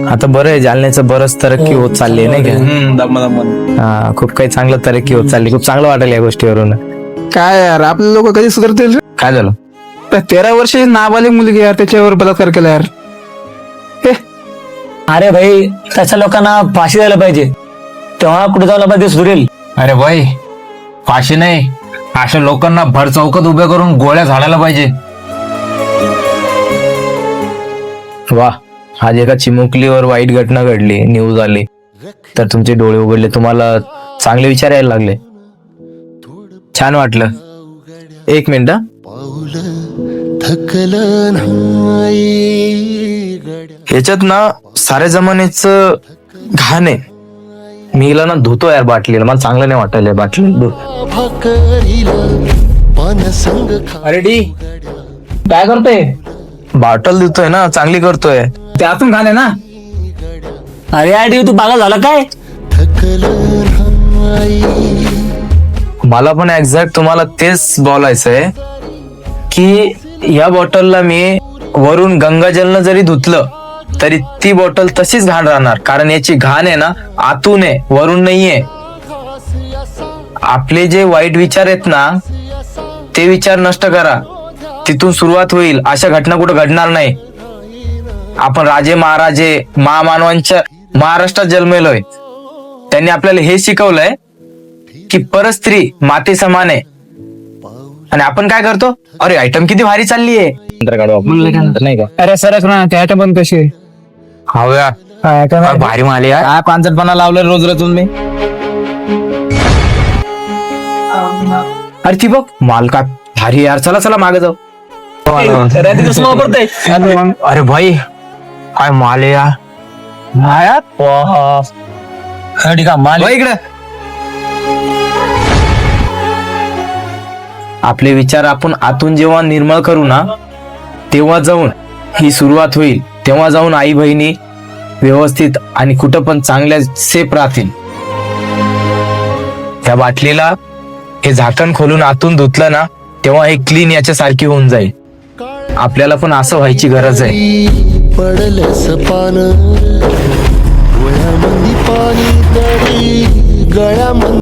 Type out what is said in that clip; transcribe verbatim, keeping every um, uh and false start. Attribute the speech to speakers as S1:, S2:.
S1: आता बरं आहे, जालन्याचं बरंच तरक्की होत चालली आहे नाही का?
S2: दम दम
S1: हा, खूप काही चांगलं तरक्की होत चालली. खूप चांगलं वाटेल या गोष्टीवरून.
S3: काय यार आपले लोक कधी सुधारतील रे?
S1: काय झालं?
S3: त्या तेरा वर्षाची नाबालिक मुलगी यार त्याच्यावर बलात्कार केला यार. हे
S4: अरे भाई तशा लोकांना फाशी द्यायला पाहिजे, तेव्हा कुठे जाऊन आपण ते सुधरेल.
S2: अरे भाई फाशी नाही, अशा लोकांना भर चौकात उभे करून गोळ्या झाडायला पाहिजे.
S1: वा, आज एका चिमुकलीवर वाईट घटना घडली, न्यूज आली, तर तुमचे डोळे उघडले, तुम्हाला चांगले विचार यायला लागले. छान वाटलं. एक मिनिट हा. ह्याच्यात ना साऱ्या जमान्याचं घाण आहे. मी हिला ना धुतो यार बाटलीला, मला चांगलं नाही वाटायला बाटली धु.
S3: अरे डी काय करतोय?
S1: बॉटल धुतोय ना, चांगली करतोय.
S3: त्यातून घाण आहे ना.
S4: अरे आडी तू पागल झाला काय?
S1: मला पण एक्झॅक्ट तुम्हाला तेच बोलायचंय की या बॉटलला मी वरून गंगाजलनं जरी धुतलं तरी ती बॉटल तशीच घाण राहणार, कारण याची घाण आहे ना आतून आहे, वरून नाहीये. आपले जे वाईट विचार आहेत ना ते विचार नष्ट करा, तिथून सुरुवात होईल. अशा घटना कुठं घडणार नाही. आपण राजे महाराजे महामानवांच्या महाराष्ट्रात जन्मलोय. त्यांनी आपल्याला हे शिकवलंय की परस्त्री माते समान आहे. आणि आपण काय करतो, अरे आयटम किती भारी चालली आहे, नाही का?
S3: अरे सरक ना, त्या आयटम पण कशी
S1: हव्या भारी माली यार. काय पांचटपणा लावलं रोज रोज तुम्ही. अरे ती बघ माल काय भारी यार, चला चला मागे जाऊ. अरे भाई काय माल आहे यार.
S4: माल
S1: इकडे आपले विचार आपण आतून जेव्हा निर्मळ करू ना तेव्हा जाऊन ही सुरुवात होईल. तेव्हा जाऊन आई बहिणी व्यवस्थित आणि कुठं पण चांगल्या सेफ राहतील. त्या बाटलीला हे झाकण खोलून आतून धुतलं ना तेव्हा हे क्लीन याच्या सारखी होऊन जाईल. आपल्याला पण असं व्हायची गरज आहे.
S5: पडलंस पान डोळ्यामंदी पाणी तरी गळ्यामंदी